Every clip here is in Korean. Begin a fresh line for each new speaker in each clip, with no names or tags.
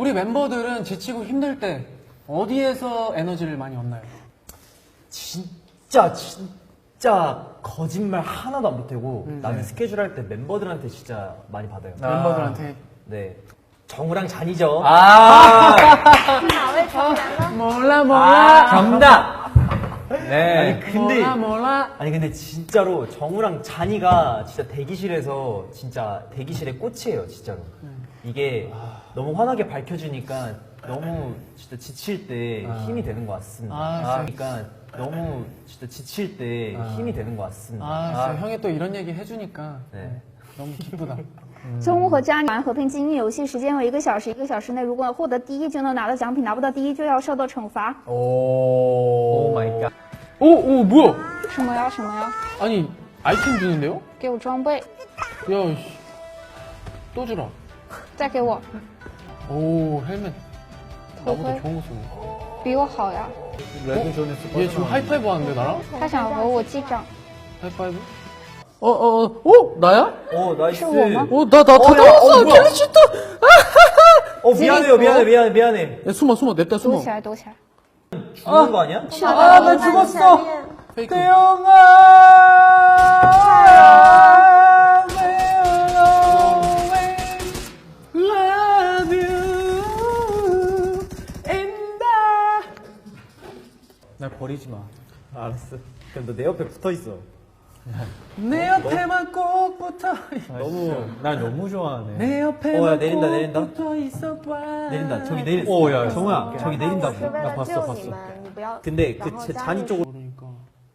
우리 멤버들은 지치고 힘들 때 어디에서 에너지를 많이 얻나요?
진짜 거짓말 하나도 안 보태고 나는 스케줄 할 때 멤버들한테 진짜 많이 받아요.
멤버들한테.
네. 정우랑 잔이죠.
몰라.
정답. 네.
몰라.
아니 근데 진짜로 정우랑 잔이가 진짜 대기실에서 진짜 대기실의 꽃이에요, 진짜로. 이게 너무 환하게 밝혀주니까 너무 진짜 지칠 때 힘이 되는 것 같습니다. 그러니까 너무 진짜 지칠 때 힘이 되는 것 같습니다.
진짜 형이 또 이런 얘기 해주니까
네.
너무 기쁘다.
中午和家里玩和平精英游戏时间为1个小时，1个小时内如果获得第一就能拿到奖品，拿不到第一就要受到惩罚。
오 마이 갓.
오, 뭐야?
什么呀什么呀？
아니, 아이템 주는데요?
给我装备，
야, 씨. 또 주라.
再给我
오, 헬멧.
头
나보다
盔，
좋은 거 쓰네.
比我好呀。
얘 지금 하이파이브 하는데, 나랑?
他想和我击掌，
하이파이브? 나야?
오 나이스.
是我吗？
다 나왔어!
뭐야?
캘리슈트!
미안해.
야, 숨어, 냅다
躲
숨어.
起来，躲起来。
죽는 거 아니야?
나 죽었어.
페이크.
Love you and I. 날 버리지 마.
알았어. 그럼 너 내 옆에 붙어 있어.
내 옆에만 꼭 붙어. 날 너무 좋아하네. 내 옆에만
야, 내린다.
꼭 붙어 있어봐.
내린다. 저기 내렸어.
오, 야,
정우야, 저기 내린다고.
是为
나
了
봤어,
救
봤어.
你们，你不要。
근데
然后
그
加
잔이
入
쪽으로
그러니까.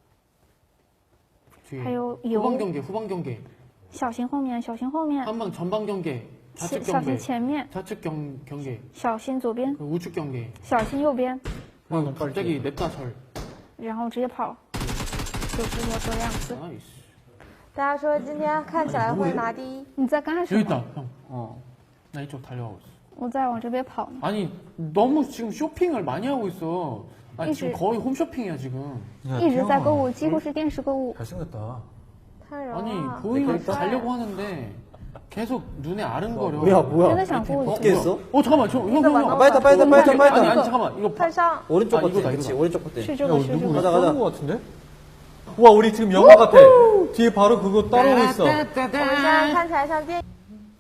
뒤에.
还有
후방
油，
경계, 후방 경계.
小心后面，小心后面，
한방 전방 경계. 좌측
小心
경계.
前面，
좌측 경계.
小心左边，
그리고 우측 경계.
小心右边，
그리고 갑자기 냅다 절.
然后直接跑，就是我这样子。
나이스.
大家说今天看起来会拿第一，
你在干什
여기
么？
있다, 형. 나 이쪽 달려가고 있어.
我在往这边跑呢。
아니, 너무 지금 쇼핑을 많이 하고 있어. 아니, 지금 거의 홈쇼핑이야, 지금.
一直在购物，几乎是电视购物。
잘생겼다.
太柔
아니,
了。
보이면 자려고 하는데 계속 눈에 아른거려.
뭐야?
真的想过
어떻게 했어?
잠깐만, 형.
빨리 타.
아니, 잠깐만. 이거
快上，
오른쪽
아,
버튼.
이거다,
그치,
이거다.
오른쪽 버튼.
是这个，是这
누구
个。
가자, 가자.
거 같은데? 와, 우리 지금 영화 같아. 뒤에 바로 그거 따라오고 있어.
我们现在看起来像电影。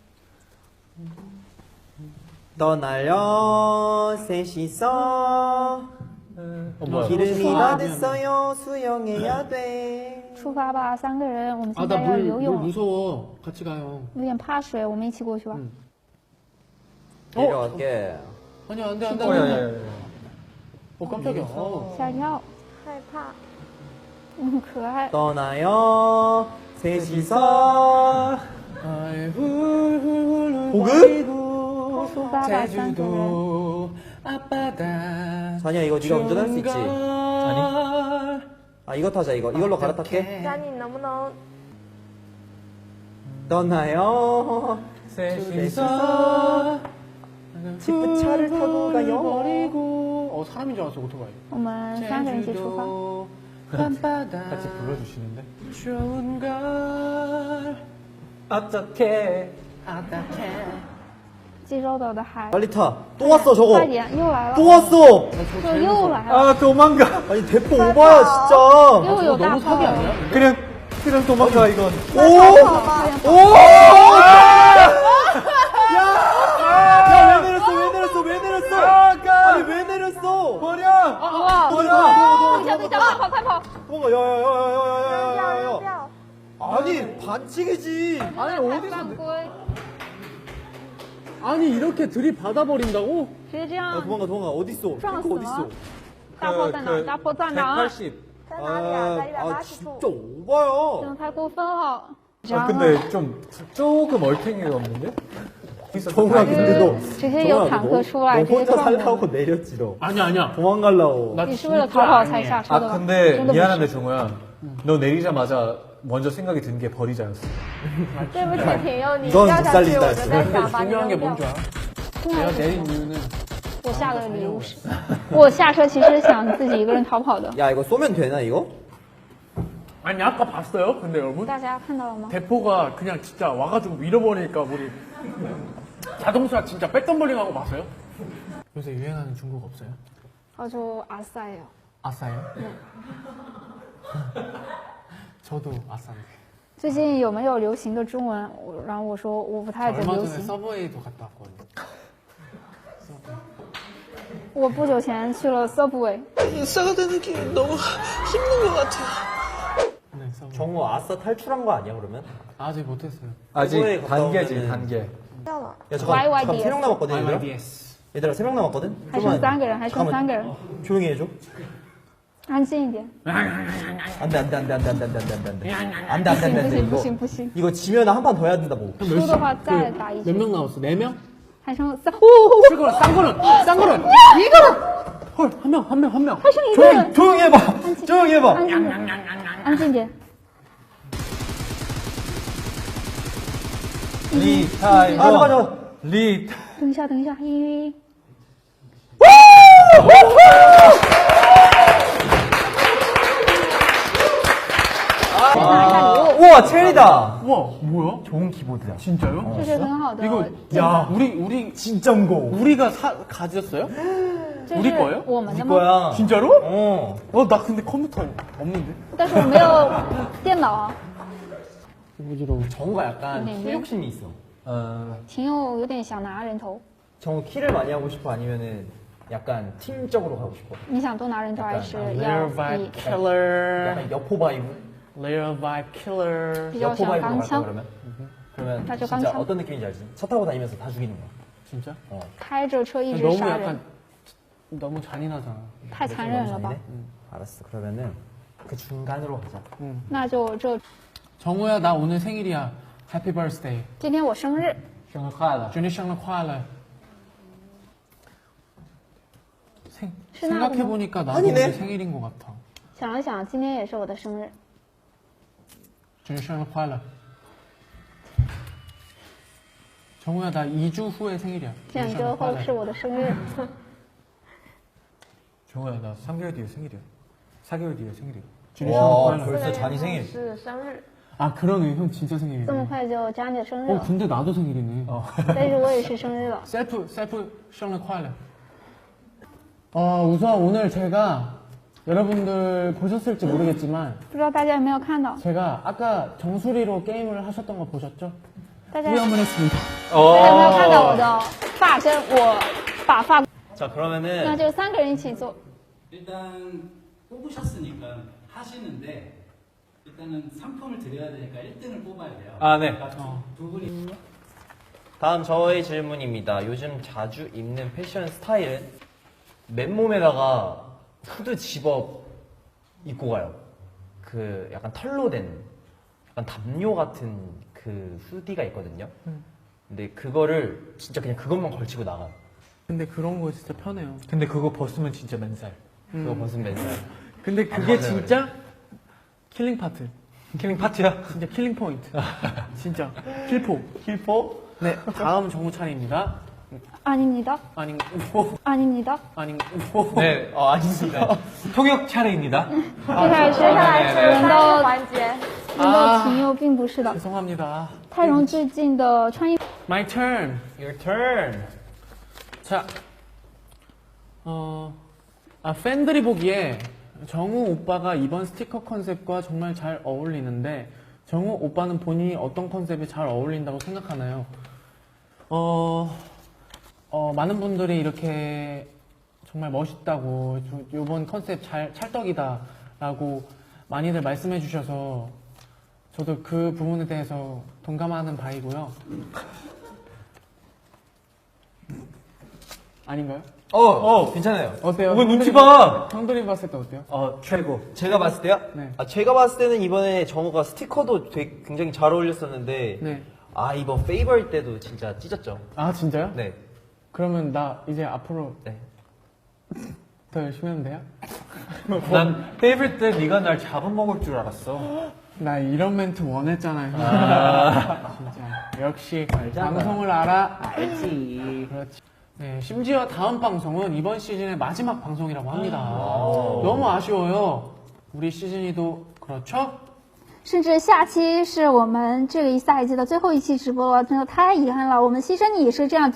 떠날려 셋이서
뭐야?
기름이 다 됐어요. 수영해야 돼.
出发吧，3个人，我们
아,
现
나
在要
물
游泳，
무서워. 같이 가요.
有点怕水，我们一起过去吧。
내려갈게.
아니야, 안 돼, 안 돼.
야, 야, 야, 야.
깜짝이야.
吓一跳，
害怕。
可爱。
떠나요 셋이서 보급?
出发吧，3个人。
제주도 앞바다.
자니야 이거 네가 운전할 수 있지?
아니?
아 이거 타자 이걸로 갈아탈게.
佳妮，你能不能
떠나요
셋이서
지프 차를 타고 가요.
버리고. 사람인 줄 알았어, 오토바이.
我们3个人一起出发。
제주도 밤바다.
같이 불러주시는데?
좋은 걸
어떡해.
어떡해.
济州岛的海。
빨리 타. 또 왔어 저거.
快点，又来了。
또 왔어.
这又来了，
아, 도망가.
아니 대포 오바야 진짜.
又有大
너무
炮
사기
了。
아니야?
그냥 도망가, 이건.
왜 내렸어? 아니 왜 내렸어?
버려!
哇！等一下，快跑，快跑！
도망가. 야야야야야야야야.
掉？
아니 반칙이지.
아니, 어디서.
犯规，
아니, 이렇게 들이받아버린다고?
直接这
야
样
도망가. 어딨어?
撞死
탱크
了
어딨어? 。
大炮在哪？大炮在哪？
180.
在哪里啊？在180
진짜
处。
오바야.
真的太过分了。
아, 근데 조금 얼탱이가 없는데?
정우야 근데 너
直接有坦克出来，
너
直接
혼자
撞我。
살라고 내렸지 너.
아니야.
도망가려고.
나
你是为了逃跑才下车的
아,
吧？
근데
真的不是
미안한데, 정우야. 너 내리자마자 먼저 생각이 든 게 버리자였어.
对不起，挺佑，你
이건
掉
못
下去，我
살린다
就在想把你
중요한 게
扔
뭔
掉
줄 。 알아? 내가 내린 이유는
我下的礼物是，我下车其实想自己一个人逃跑的。
야 이거 쏘면 되나 이거?
아니 아까 봤어요? 근데 여러분
大家看到了吗？
대포가 그냥 진짜 와가지고 밀어버리니까 우리 자동차 진짜 백덤블링하고 봤어요? 요새 유행하는 중국 없어요?
저 아싸예요.
아싸요? 저도 아싸인데.
最近有没有流行的中文？然后我说我不太
저
懂
얼마
流
전에
行。
서브웨이도 갔다 왔거든요.
我不久前去了 Subway，
네, 서브웨이.
정우 아싸 탈출한 거 아니야 그러면?
아직 못했어요.
아직
서브웨이 갔다
단계지,
오면은-
단계.
掉了。
야 잠깐
YYDS.
3명 남았거든 얘들아.
YYDS.
얘들아 3명 남았거든?
还剩3个人，还剩3
잠깐만.
个人，
조용히 해줘.
安静一点。
안돼
不行不行，
이거 지면 한 판 더 해야 된다고.
输的话再打一
몇
局。
명 나왔어? 4명?
还剩3，
이거는 싼 거는 헐, 한 명.
还剩一个人。
조용히 해봐. 조용히 해봐.
安静点，安静点。
리타이머.
아 잠깐.
리.
等一下，等一下，1。 再拿一下礼物，
우와 체리다.
우와, 뭐야?
좋은 키보드야.
진짜요?
这是很好的。
이거 야, 우리
진짜 무거워.
우리가 가졌어요?
这
우리
是
거예요?
我们的
네
吗？
거야.
진짜로?
어.
나 근데 컴퓨터 없는데.
但是我没有电脑，
부지러워. 정우가 약간
네,
키 욕심이 있어.
秦佑有点想拿人头。
정우 키를 많이 하고 싶어 아니면은 약간 팀적으로 가고 싶어.
你想多拿人头还是
Layer
要
vibe
以
killer.
약간 여포 바이브.
Layer vibe killer.
比较
여포
想
바이브로
钢
갈까
枪，
그러면? 그러면
나 저
진짜
깡창.
어떤 느낌인지 알지? 차 타고 다니면서 다 죽이는 거야.
진짜?
开着车一直
너무
杀人
약간 ， 너무 잔인하잖아.
太残忍了吧？
알았어. 그러면은 그 중간으로 가자.
那就这，
정우야, 나 오늘 생일이야. Happy birthday.
今天我生日，
生日快乐.
준이 생일 快乐.
신나구나.
생각해보니까 나도
아니네.
오늘 생일인 것 같아.
想了想，今天也是我的生日。
준이 생일 快乐. 정우야, 나 2주 후에 생일이야.
2周后是我的生日，
정우야, 나 3개월 뒤에 생일이야. 4개월 뒤에 생일이야.
준이 생일 快乐.
벌써 잔이 생일.
是生日。
아, 그러네. 형 진짜 생일이네.
这么快就加你的生日
어,
了，
근데 나도 생일이네.
但是我也是生日了。
셀프 생일 快乐. 우선 오늘 제가 여러분들 보셨을지 모르겠지만
不知道大家有没有看到？
제가 아까 정수리로 게임을 하셨던 거 보셨죠?
大家
후회 한번 했습니다.
大家有没有看到我的发针？我把发，
자
那
그러면은
就3个人一起做。
일단 뽑으셨으니까 하시는데 일단은 상품을 드려야 되니까 1등을 뽑아야 돼요.
아, 네.
그러니까 두 분이
다음 저의 질문입니다. 요즘 자주 입는 패션 스타일은 맨몸에다가 후드 집업 입고 가요. 그 약간 털로 된 약간 담요 같은 그 후디가 있거든요. 근데 그거를 진짜 그냥 그것만 걸치고 나가요.
근데 그런 거 진짜 편해요.
근데 그거 벗으면 진짜 맨살.
그거 벗으면 맨날.
근데 그게
맞아요,
진짜 킬링 파트.
킬링 파티야?
진짜 킬링 포인트. 진짜. 킬포. 킬포? 네, 다음 정우 차례입니다.
아닙니다.
아니, 뭐.
아닙니다.
아니, 뭐.
네, 아닙니다.
통역 차례입니다.
接下来是
接下来是
轮
翻译
到
环节。
轮到秦佑，并不是的。
죄송합니다.
泰荣最近的穿衣
My turn.
Your turn.
자, 팬들이 보기에 정우 오빠가 이번 스티커 컨셉과 정말 잘 어울리는데 정우 오빠는 본인이 어떤 컨셉에 잘 어울린다고 생각하나요? 많은 분들이 이렇게 정말 멋있다고 이번 컨셉 찰떡이다라고 많이들 말씀해 주셔서 저도 그 부분에 대해서 동감하는 바이고요. 아닌가요?
괜찮아요.
어때요?
왜 눈치 봐?
형들이 봤을 때 어때요?
최고.
제가 봤을 때요?
네.
제가 봤을 때는 이번에 정우가 스티커도 굉장히 잘 어울렸었는데
네.
이번 페이버일 때도 진짜 찢었죠.
아 진짜요?
네.
그러면 나 이제 앞으로
네.
더 열심히 하면 돼요?
난 페이블 때 네가 날 잡아먹을 줄 알았어.
나 이런 멘트 원했잖아요. 진짜 역시 방송을 알아. 알지. 그렇지. 네, 심지어 다음 방송은 이번 시즌의 마지막 방송이라고 합니다. 너무 아쉬워요. 우리 시즌이도 그렇죠?
甚至下期是我们这个一赛季的最后一期直播了，真的太遗憾了。我们牺牲你也是这样